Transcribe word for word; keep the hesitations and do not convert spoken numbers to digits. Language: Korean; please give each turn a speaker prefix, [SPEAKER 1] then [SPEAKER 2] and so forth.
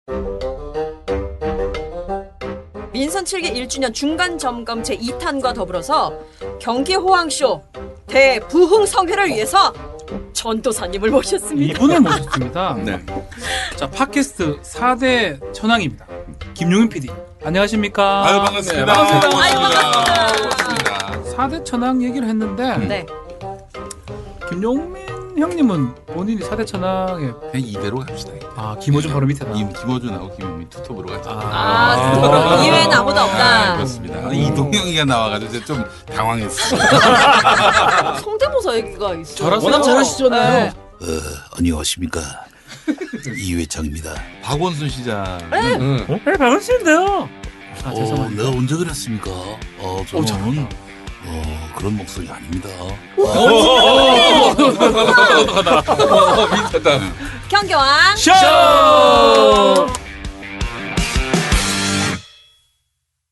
[SPEAKER 1] 민선 칠 기 일 주년 중간점검 제이 탄과 더불어서 경기호황쇼 대부흥성회를 위해서 전도사님을 모셨습니다.
[SPEAKER 2] 이분을 모셨습니다.
[SPEAKER 3] 네.
[SPEAKER 2] 자, 팟캐스트 사 대 천왕입니다. 김용윤 피디. 안녕하십니까?
[SPEAKER 3] 아유, 반갑습니다.
[SPEAKER 2] 네, 반갑습니다.
[SPEAKER 1] 아유, 반갑습니다.
[SPEAKER 3] 반갑습니다.
[SPEAKER 2] 사 대 천왕 얘기를 했는데
[SPEAKER 1] 네.
[SPEAKER 2] 김용민 형님은 본인이 사 대 천왕에
[SPEAKER 3] 그냥 이대로 갑시다.
[SPEAKER 2] 아, 김호준 바로 밑에다.
[SPEAKER 3] 김, 김호준하고 김용민 투톱으로 가자.
[SPEAKER 1] 아,
[SPEAKER 2] 아.
[SPEAKER 1] 이외에는 아무도 없다.
[SPEAKER 3] 아, 그렇습니다. 이동영이가 나와가지고 제가 좀 당황했어요.
[SPEAKER 1] 성대모사 얘기가 있어요.
[SPEAKER 2] 잘하세요.
[SPEAKER 4] 워낙 잘하시잖아요.
[SPEAKER 1] 네.
[SPEAKER 5] 어, 안녕하십니까. 이회창입니다.
[SPEAKER 3] 박원순 시장.
[SPEAKER 4] 응.
[SPEAKER 2] 네, 반갑습니다. 아,
[SPEAKER 5] 어,
[SPEAKER 2] 죄송합니다.
[SPEAKER 5] 내가 언제 그랬습니까? 어,
[SPEAKER 2] 오,
[SPEAKER 5] 저는
[SPEAKER 2] 잘한다.
[SPEAKER 5] 어, 그런 목소리 아닙니다.
[SPEAKER 3] 민사다.
[SPEAKER 1] 경교왕
[SPEAKER 2] 쇼!